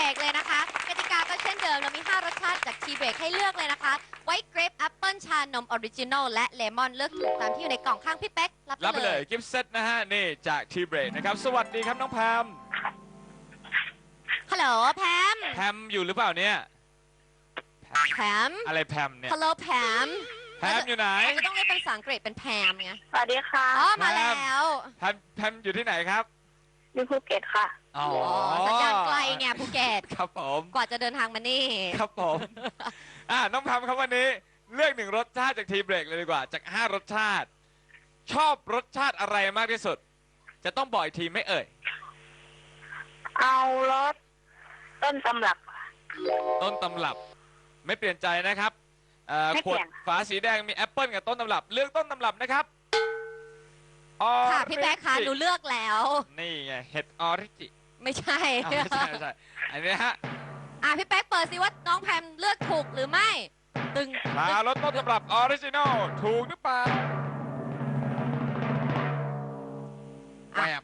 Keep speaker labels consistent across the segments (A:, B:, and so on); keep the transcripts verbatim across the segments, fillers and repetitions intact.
A: Break เลยนะคะกติกาก็เช่นเดิมเรามีห้ารสชาติจาก Tea Break ให้เลือกเลยนะคะไวท์เกรปแอปเปิลชานมออริจินอลและเลมอนเลือกถูกตามที่อยู่ในกล่องข้างพี่เป๊กรับ
B: รับ
A: ไป
B: ไป
A: เล
B: เลย ยกิฟต์เซตนะฮะนี่จาก Tea Break นะครับสวัสดีครับน้องแพม
A: ฮัลโหลแพม
B: แพมอยู่หรือเปล่าเนี่ย
A: แพม
B: อะไรแพมเนี่ย
A: ฮัลโหลแพม
B: แพมอยู่ไหน
A: อาจจะต้องเรียกเป็นภาษาอังกฤษเป็นแพมไง
C: สวัสดีค่ะ
A: อ๋อมาแล้ว
B: แพมแพมอยู่ที่ไหนครับ
C: อยู่ภูเก็ตค่ะ
B: อ๋อ
A: อ๋อสัญญาณไกลไงภูเก็ต
B: ครับผม
A: กว่าจะเดินทางมานี่
B: ครับผมอ่าน้องแพมครับวันนี้เลือกหนึ่งรสชาติจาก Tea Break เลยดีกว่าจากห้ารสชาติ ชอบรสชาติอะไรมากที่สุด จะต้องบอกอีกทีไม่เอ่ย
C: เอารถต้นตำรับ
B: ต้นตำรับไม่เปลี่ยนใจนะครับเอ่อ
C: ไม่
B: ข
C: เป
B: ว
C: ลี่
B: ด
C: ยน
B: ฝาสีแดงมีแอปเปิลกับต้นตำรับ เลือกต้นตำรับนะครับออ
A: ค่ะพี่แป๊กคะ
B: ริจิ
A: หนูเลือกแล้ว
B: นี่ไงเห็ดออริจิ
A: ไม่ใช่
B: อ้าวไม่ใช่ไม่ใช่อันนี้ฮะ
A: อ่ะพี่แป๊กเปิดสิว่าน้องแพมเลือกถูกหรือไม่ ตึง
B: มารสต้นตำรับออริจินอลถูกหรือเปล่าแอบ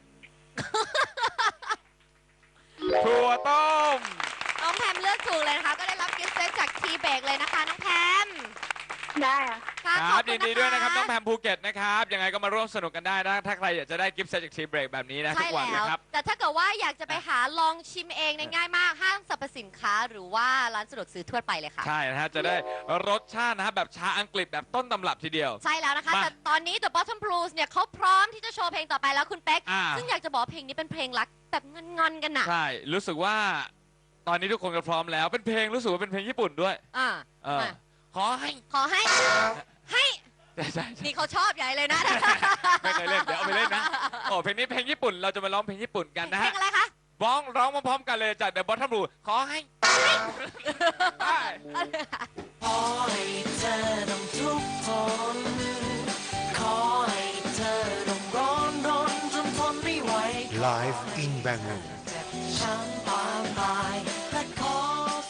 B: ถั่วต้ม
A: น้องแพมเลือกถูกเลยนะคะก็ได้รับกิฟต์เซตจากทีเบรกเลยนะคะน้องแพม
C: ได้อะ
A: ค่ะ
B: ค
A: ขอ
B: รั
A: บบ คุ
B: ยิ
A: ณ
B: น
A: นะคะ
B: ดีด้วยนะครับน้องแพมภูเก็ตนะครับยังไงก็มาร่วมสนุกกันได้นะถ้าใครอยากจะได้กิฟต์เซตจากทีเบรกแบบนี้นะทุ
A: ใช่
B: กวัน
A: แล้ว
B: นะครับ
A: แต่ถ้าเกิดว่าอยากจะไปหาลองชิมเองเนี่ยง่ายมากห้างสรรพสินค้าหรือว่าร้านสะดวกซื้อทั่วไปเลยค่ะ
B: ใช่นะฮะจะได้รสชาตินะฮะแบบชาอังกฤษแบบต้นตำรับทีเดียว
A: ใช่แล้วนะคะ
B: มา
A: แต่ตอนนี้ The Bottom Blues เนี่ยเขาพร้อมที่จะโชว์เพลงต่อไปแล้วคุณเป๊ก
B: อ่า
A: ซึ่งอยากจะบอกว่าเพลงนี้เป็นเพลงรักแบบงอนๆกันน่ะ
B: ใช่รู้สึกว่า ตอนนี้ทุกคนก็พร้อมแล้วเป็นเพลงรู้สึกว่าเป็นเพลงญี่ปุ่นด้วย
A: อ่า
B: เออ
A: มา
B: ขอให้
A: ขอให้ให้
B: ใช่ใช่ใช่
A: นี่เขาชอบใหญ่เลยนะ
B: ไม่เคยเล่นเดี๋ยวเอาไปเล่นนะโอ้เพลงนี้เพลงญี่ปุ่นเราจะมาร้องเพลงญี่ปุ่นกันนะ
A: เพล
B: ฮะ
A: งอะไรคะ
B: ร้องร้องพร้อมๆกันเลยจาก The Bottom Blue ขอให้ได้
D: ขอให้เธอต้องทุกข์ทนขอให้เธอต้องร้อนรนจนทนไม่ไหว
E: Live in Bangkok
D: เจ็บช้ำปางตายและขอ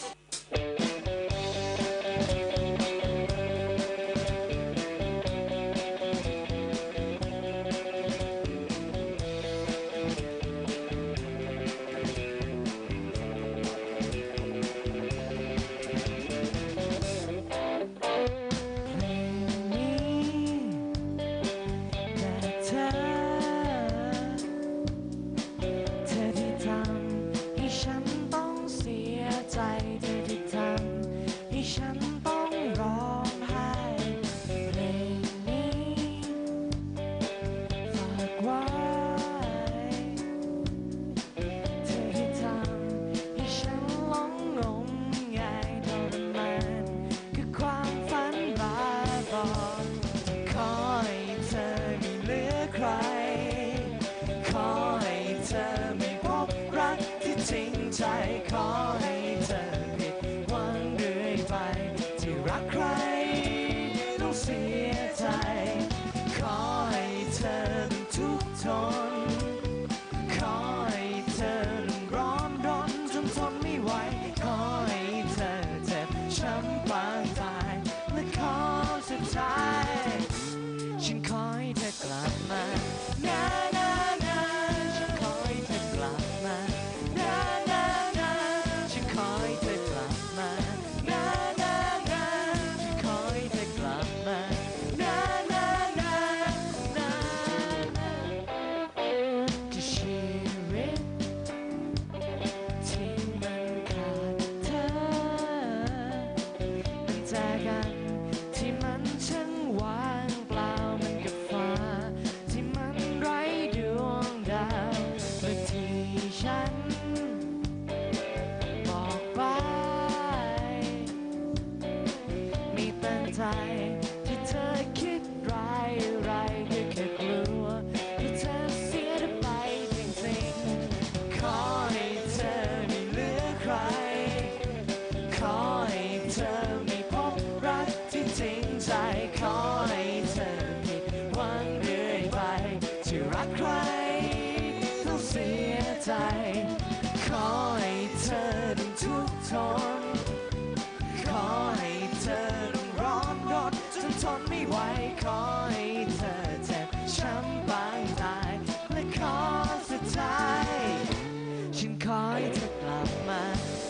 D: เธอ เธอที่ทำให้ฉันต้องเสียใจ เธอที่ทำให้ฉันต้องร้องไห้เพลงนี้ฝากไว้ เธอที่ทำให้ฉันหลงงมงายทรมานคือความฝันบ้าบอขอให้เธอไม่เหลือใคร ขอให้เธอไม่พบรักที่จริงใจ ขอให้เธอผิดหวังเรื่อยไป ที่รักใครต้องเสียใจ ขอให้เธอต้องทุกข์ทน ขอให้เธอต้องร้อนรนจนทนไม่ไหว ขอให้เธอเจ็บช้ำปางตาย และขอสุดท้าย ฉันขอให้เธอกลับมานานานาฉันขอให้เธอกลับมานานานาฉันขอให้เธอกลับมานานานาฉันขอให้เธอกลับมานานานานานาที่ชีวิตที่มันขาดเธอมันจากกันที่มันช่างว่างเปล่ามันกับฟ้าที่มันไร้ดวงดาวเมื่อที่ฉันบอกไปไม่เป็นใจที่เธอคิดร้ายอะไรก็แค่กลัวที่เธอเสียเธอไปจริงๆขอให้เธอไม่เหลือใคร ขอให้เธอไม่พบรักที่จริงใจ ขอให้เธอผิดหวังเรื่อยไป ที่รักใครต้องเสียใจ ขอให้เธอต้องทุกข์ทน ขอให้เธอต้องร้อนรนจนทนไม่ไหว ขอให้เธอเจ็บช้ำปางตาย และขอสุดท้าย ฉันขอให้เธอกลับมา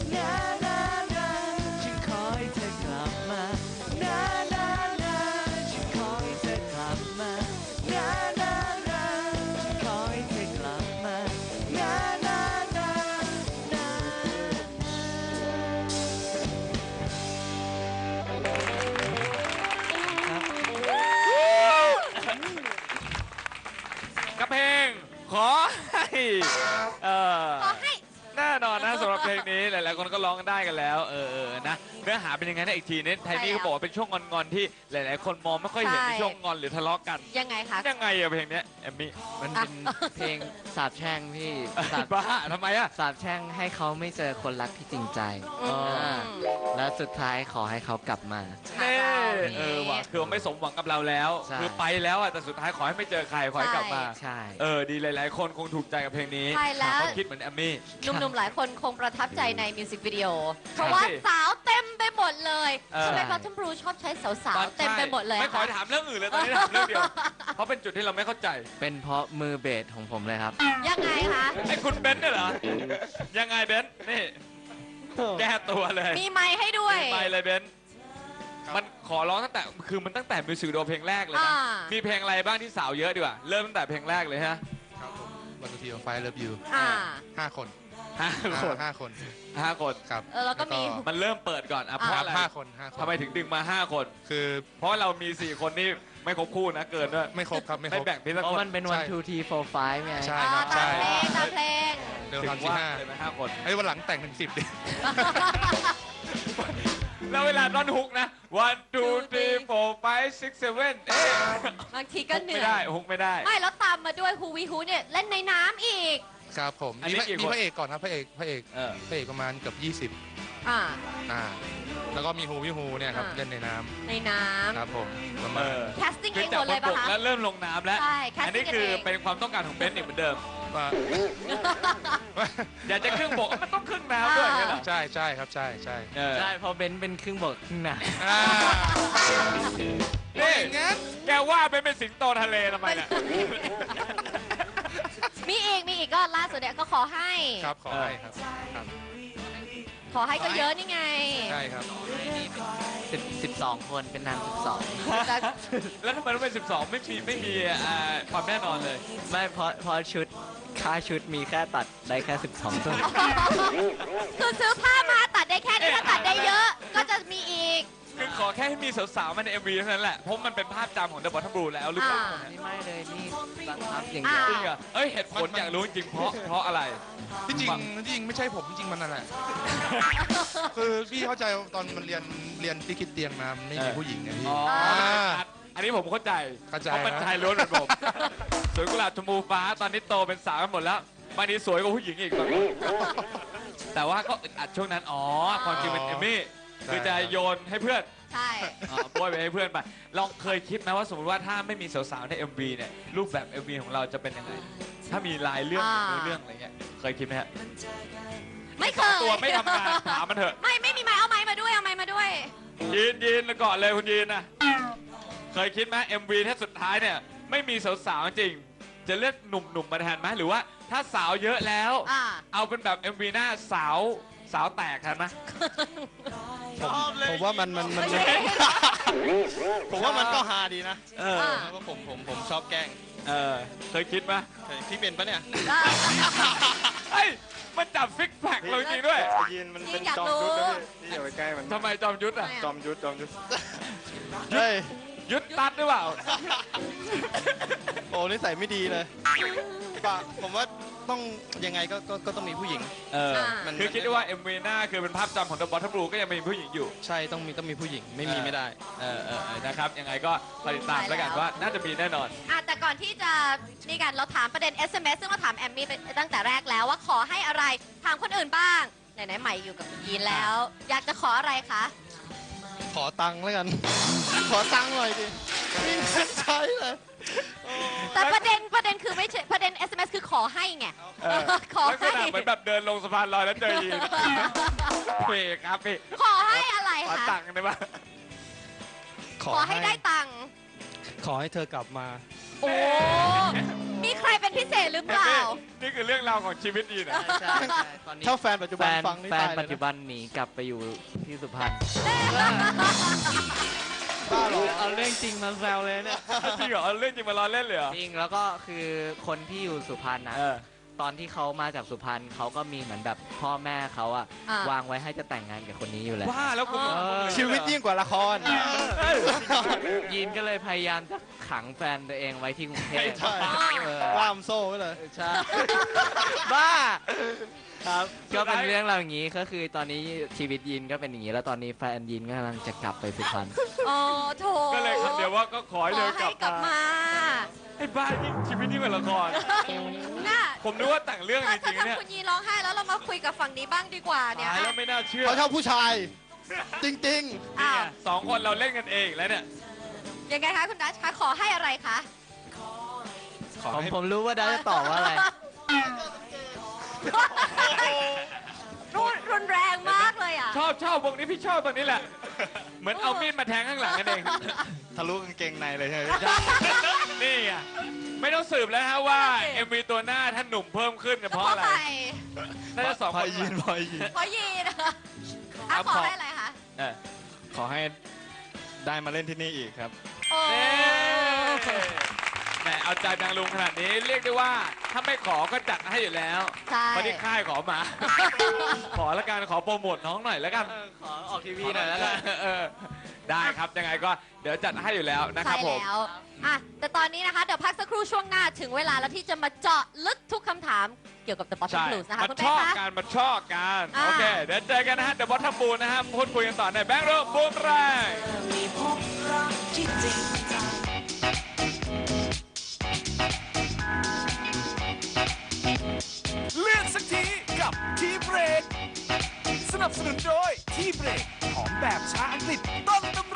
B: เออ
A: ขอให้
B: แน่นอนนะสำหรับเพลงนี้หลายๆคนก็ร้องได้กันแล้วเออเออนะเนื้อหาเป็นยังไงนะอีกทีนี้ไทนี่ก็บอกว่าเป็นช่วงงอนๆที่หลายๆคนมองไม่ค่อยเห็นในช่วงงอนหรือทะเลาะกัน
A: ยังไงคะ
B: ยังไงอะเพลงเนี้ยแอมมี่
D: มันเป็นเพลงสาบแช่งพี่สาบ
B: บ้าทำไมอะ
D: สาบแช่งให้เขาไม่เจอคนรักที่จริงใจ
A: อืม
D: อ่าและสุดท้ายขอให้เขากลับมา
B: เน่เออว่ะคือไม่สมหวังกับเราแล้ว
D: ใช่
B: คือไปแล้วอะแต่สุดท้ายขอให้ไม่เจอใครขอให้กลับมา
D: ใช่
B: เออดีหลายๆ คนคงถูกใจกับเพลงนี้
A: ใช่แล้ว
B: เขาคิดเหมือนแอมมี่
A: หนุ่มๆ หลายคนคงประทับใจในมิวสิกวิดีโอ เพราะว่า
B: สิ
A: สาวเต็มไปหมดเลย
B: เออ
A: ทำไมพอทัมบลูชอบใช้สาวๆ เต็มไปหมดเลย
B: ไม่
A: อะ
B: ขอ
A: คะ
B: ถามเรื่องอื่นเลยตอนนี้ถามเรื่องเดียว เพราะเป็นจุดที่เราไม่เข้าใจ
D: เป็นเพราะมือเบสของผมเลยครับ
A: ยังไงคะ
B: ไอ้คุณเบนซ์เนี่ยเหรอ ยังไงเบนซ์นี่ แก้ตัวเลย
A: มีไมค์ให้ด้วย
B: ไปเลยเบนซ์มันขอร้องตั้งแต่คือมันตั้งแต่มิวสิกวิดีโอเพลงแรกเลย
A: อ่า
B: นะ มีเพลงอะไรบ้างที่สาวเยอะดีกว่า เริ่มตั้งแต่เพลงแรกเลยฮะ
E: ครับผมวันทีไฟเลิฟยู
A: อ่า
E: ห้าคน
B: ห้าคน
E: ห้าคน
B: ห้าคน
E: ครับ
A: เออแล้วก็มี
B: มันเริ่มเปิดก่อนอ่ะเพราะอะไร
E: ห้าคนห้าคน
B: ทำไมถึงดึงมาห้าคน
E: คือ
B: เพราะเรามีสี่คนนี่ไม่ครบคู่นะเกินด้วย
E: ไม่ครบครับไม่ค
B: ไม่
E: รบ
B: แบ่งพี่สัก
D: เพราะ
B: คน
D: มันเป็น one two three four five ไง
E: ใช่
A: อ่า
E: ครับ
A: ตา
E: ใช่
A: มเพลงตามเพลง
E: เดิม
B: ถึง
E: ทำที่
B: ว่า
E: ห้า
B: เลยไหมห้าคน
E: ไอ้ยวันหลังแต่งถึงสิบดิ
B: แล้วเวลาต้นฮุกนะ one two three four five six seven เอ๊ะ
A: บางทีก็
B: ฮุก
A: เหนื่
B: ไม่
A: อ
B: ได้
A: ย
B: ฮุกไม่ได้
A: ไม่แล้วตามมาด้วยฮูวีฮูเนี่ยเล่นในน้ำอีก
E: ครับผม
B: อันนี้
E: มี
B: กี่
E: มี
B: คน
E: พระเอกก่อนครับพระเอกพระเอก
B: เออ
E: พระเอกประมาณเกือบยี่สิบ
A: อ่า
E: อ่าแล้วก็มีฮูวิฮูเนี่ยครับ
A: อ่า
E: เล่นในน้
A: ในน้
E: ำครับผมประ
B: เอ
E: มาณ
B: อ
A: ำแคสติ้ง
B: คื
A: เอ
B: อง
A: ห
B: จาก
A: มด
B: บ
A: เลย
B: นบ
A: ปะ
B: ก
A: คะ
B: แล้วเริ่มลงน้ำแล้ว
A: ใช่แคส
B: อัน
A: ติ้
B: นี้
A: งกัน
B: คือ
A: เอง
B: เป็นความต้องการของเบนซ์อีกเหมือนเดิม
E: ว่า
B: อยากจะครึ่งบกมันต้องครึ่งน้ำด้วยอย่างเงี้ยเหรอ
E: ใช่ใช่ครับใช่ใช่
B: เออ
D: ใช่ เพราะเบนซ์เป็นครึ่งบกครึ่งน้ำ
E: อ่า
B: นี่
E: อย่างงั้น
B: แกว่าเป็นเป็นสิงโตทะเลทำไมเนี่ย
A: มีอีกมีอีกก็ล่าสุดเนี่ยก็ขอให้
E: ครับขอให้ครับครับ
A: ขอให้ก็เยอะนี่ไง
E: ใช่ครับ
D: สิบสิบสองคนเป็นนางสิบสอง
A: จะ
B: แล้วทำไมต้องเป็นสิบสองไม่มีไม่มีอ่าความแน่นอนเลย
D: ไม่เพราะเพราะชุดค่าชุดมีแค่ตัดได้แค่สิบสองตัว
A: คือซื้อผ้ามาตัดได้แค่นี้ถ้าตัดได้เยอะ ก็จะมีอีก
B: คือขอแค่ให้มีสาวๆมาใน เอ็ม วี เท่านั้นแหละ เพราะมันเป็นภาพจำของ The Bottom Blue แล้วหรือเปล่า
A: อ่า
D: นี่ไม่เลยนี่บังคับอย่าง
A: อ่า
D: เดียว
B: จริงเหรอเอ้ยเหตุผลอยากรู้จริงๆเพราะเพราะอะไร
E: ที่จริงที่จริงไม่ใช่ผมจริงๆมันนั่นแหละ คือพี่เข้าใจตอนมันเรียนเรียนที่คิดเตียงมามันไม่มี
B: เออ
E: ผู้หญิงไงพี่
B: อ๋อ
E: อ่า
B: อันนี้ผมเข้าใจ
E: เข้าใจ
B: เพราะมัน
E: นะ
B: ชายล้วนเหมือนผมสวยกุหลาบชมพูฟ้าตอนนี้โตเป็นสาวกันหมดแล้วบางทีสวยกว่าผู้หญิงอีกบางทีแต่ว่าก็อึดอัดช่วงนั้น อ๋อ ความจริงเป็นเอมมี่คือจะโยนให้เพื่อน
A: ใช่
B: อ่าโบยไปให้เพื่อนไป ลองเคยคิดไหมว่าสมมติว่าถ้าไม่มีสาวๆใน เอ็ม วี เนี่ย รูปแบบ เอ็ม วี ของเราจะเป็นยังไง ถ้ามีลายเรื่อง
A: อ่า
B: เนื้อเรื่องอะไรเงี้ย เคยคิดไหมฮะ
A: ไม่เคย
B: ตัวไม่ทำงานถามมันเถอะ
A: ไม่ไม่มีไม้เอาไม้มาด้วยเอาไม้มาด้วย
B: ยีนยีนแล้วก่อนเลยคุณยีนนะเคยคิดไหม เอ็ม วี ถ้าสุดท้ายเนี่ยไม่มีสาวๆจริง จะเลือกหนุ่มๆมาแทนไหมหรือว่าถ้าสาวเยอะแล้ว
A: อ่า
B: เอาเป็นแบบ เอ็ม วี หน้าสาวสาวแตกแทนไหม
F: ผมผมว่ามันมันมัน
A: ไม่ใช่
F: ผมว่ามันก็ฮาดีนะ
B: เออ
A: อ่า
F: เพราะผมผมผมชอบแกล้ง
B: เออ เคยคิดไหม
F: เฮ้ยพี่เป็นปะเนี่ย
A: อ่า
B: เฮ้ย มันจับฟิกแพคเราจริงด้วย
F: ไอ้ยีนมันเป็น
A: อยาก
F: จอม
A: รู้
F: ยุทธนะพี่นี่อย่าไปใกล้มัน
B: ทำไมจอมยุทธอ่ะ
F: จอมยุทธจอมยุทธเฮ้ย
B: ยุทธตัดหรือเปล่า
F: โอ้นิสัยไม่ดีเลยปะผมว่าต้องยังไงก็ก็ก็ต้องมีผู้หญิง
B: เออ
F: มัน
B: คือคิดได้ว่า เอ็ม วี หน้าคือเป็นภาพจำของ The Bottom Blue ก็ยังมีผู้หญิงอยู่
F: ใช่ต้องมีต้องมีผู้หญิงไม่มี
B: เออ
F: ไม่ได้
B: เออเออเออนะครับ ยังไงก็คอยติดตามแล้วกันว่าน่าจะมีแน่นอน
A: อ่ะแต่ก่อนที่จะนี่กันเราถามประเด็น เอส เอ็ม เอส ซึ่งเราถามแอมมี่ไปตั้งแต่แรกแล้วว่าขอให้อะไรถามคนอื่นบ้างไหนๆใหม่อยู่กับยีนแล้ว อยากจะขออะไรคะ
F: ขอตังค์แล้วกัน ขอตังค์หน่อยดิไม่มีเงินใช้เลยโอ้
A: แต่ประเด็นประเด็นคือไม่ใช่ประเด็น เอส เอ็ม เอส คือขอให้ไง
B: เออ
A: ขอ
B: ลักษ
A: ให้
B: ณะเหมือนแบบเดินลงสะพานลอยแล้วเจอยีนเฟกครับพี่
A: ขอให้อะไร
B: ขอ
A: คะ
B: ตังค์ได้ปะ
A: ขอให้ได้ตังค์
F: ขอให้เธอกลับมา
A: โอ้ มีใครเป็นพิเศษหรือเป
B: เห็น
A: ล่า
B: ไหมนี่คือเรื่องราวของชีวิตยีนอะ
D: ใช่ใช่ตอนนี้
F: ถ้าแฟนปัจจุ
D: แฟ
F: บัน
D: น
F: ฟังนี่
D: แฟน
F: ตายเลย
D: ปัจจุ
F: นะ
D: บันหนีกลับไปอยู่ที่สุพรรณ
F: บ้าเหรอ
D: เอาเรื่องจริงมาแซวเลยเนี่ย
B: จริงเหรอเอาเรื่องจริงมาล้อเล่นเลยเหรอ
D: จริงแล้วก็คือคนที่อยู่สุพรรณนะ
B: เออ
G: ตอนที่เขามาจากสุพรรณเขาก็มีเหมือนแบบพ่อแม่เขาอะ
A: อ่ะ
G: วางไว้ให้จะแต่งงานกับคนนี้อยู่แล้ว
B: ว่าแล้วคุณ
A: เออ
F: ชีวิตยิ่งกว่าละคร
B: เอ้ย
G: ยีนก็เลยพยายามจะขังแฟนตัวเองไว้ที่กรุงเทพ
F: ใช่
G: เออ
F: ล่ามโซ่ไว้เลย
G: ใช่ บ้าครับก็เป็นเรื่องราวอย่างนี้ก็คือตอนนี้ชีวิตยีนก็เป็นอย่างนี้แล้วตอนนี้แฟนยีนก็กำลังจะกลับไปสุพรรณ
A: โอ้โถ
B: ก็เลยคำเดียวว่าก็ขอให้
A: ข
B: เดิ
A: อน
B: ก
A: ให้
B: ลับ
A: กลับ
B: มา
A: มา
B: ไอ้บ้ายิ่งชีวิตยิ่งกว่าละคร
A: น่ะ
B: ผมนึกว่าแต่งเรื่อง
A: ถ้า
B: จริงๆเนี่ย
A: ถ้าคุณยีร้องไห้แล้วเรามาคุยกับฝั่งนี้บ้างดีกว่าเนี่ย
B: ตายแล้วไม่น่าเชื่อ
F: เขาชอบผู้ชาย จริง
B: นี่
A: อ้า
B: ไง
A: ว
B: สองคนเราเล่นกันเองแล้วเนี่ย
A: ยังไงคะคุณดัชคะขอให้อะไรคะ
B: ขอ
G: ผม
B: ให้
G: ผมรู้ว่าดาจะตอบว่าอะไร
A: รุนรุนแรงมากเลยอ่ะ
B: ชอบชอบวงนี้พี่ชอบตอนนี้แหละ เหมือนเอามีดมาแทงข้างหลังกันเอง
F: ๆ ทะลุกางเกงในเลยใช่ไหม
B: นี่ไงไม่ต้องสืบแล้วฮะว่า
A: โอเค
B: เอ็มวีตัวหน้าท่านหนุ่มเพิ่มขึ้นเนี่ย
A: เพ
B: เพราะ
A: ราะ
B: อะไร
A: ใคร
B: น่าจะสอง
F: พ
B: ค
F: อน ยีนพอยีน
A: เพราะยีนะอ่ะ
B: ครับ
A: ขอ
B: ขอ
A: ให้อะไรคะ
B: เออ
F: ขอให้ได้มาเล่นที่นี่อีกครับ
A: โอ้
B: เน่แหมเอาใจนางลุงขนาดนี้เรียกได้ว่าถ้าไม่ขอก็จัดให้อยู่แล้ว
A: ใช่
B: เพราะที่ค่ายขอมา ขอละกันขอโปรโมทน้องหน่อยแล้วกัน
G: ขอออกทีวีหน่อยแล้วกัน
B: เออได้ครับยังไงก็เดี๋ยวจัดให้อยู่แล้วนะครับ
A: ใช่
B: ผม
A: แล้วอ่ะแต่ตอนนี้นะคะ เดี๋ยวพักสักครู่ช่วงหน้าถึงเวลาแล้วที่จะมาเจาะลึกทุกคำถามเกี่ยวกับ The Bottom
B: ใช่
A: Blues นะคะ
B: มา
A: คุณ
B: ช
A: เป๊
B: อก บ
A: คะ
B: กันมาชอบกัน
A: อ่า
B: โอเค เดี๋ยวเจอกันนะฮะเดอะบอททัมบูนะฮะพูดคุยกันต่อในแบงค์โรบูมแรง
D: มีพบรักที่จริงจัง
H: เลือกสักทีกับทีเบรกสนับสนุนโดยทีเบรกของแบบชาอังกฤษต้นตำ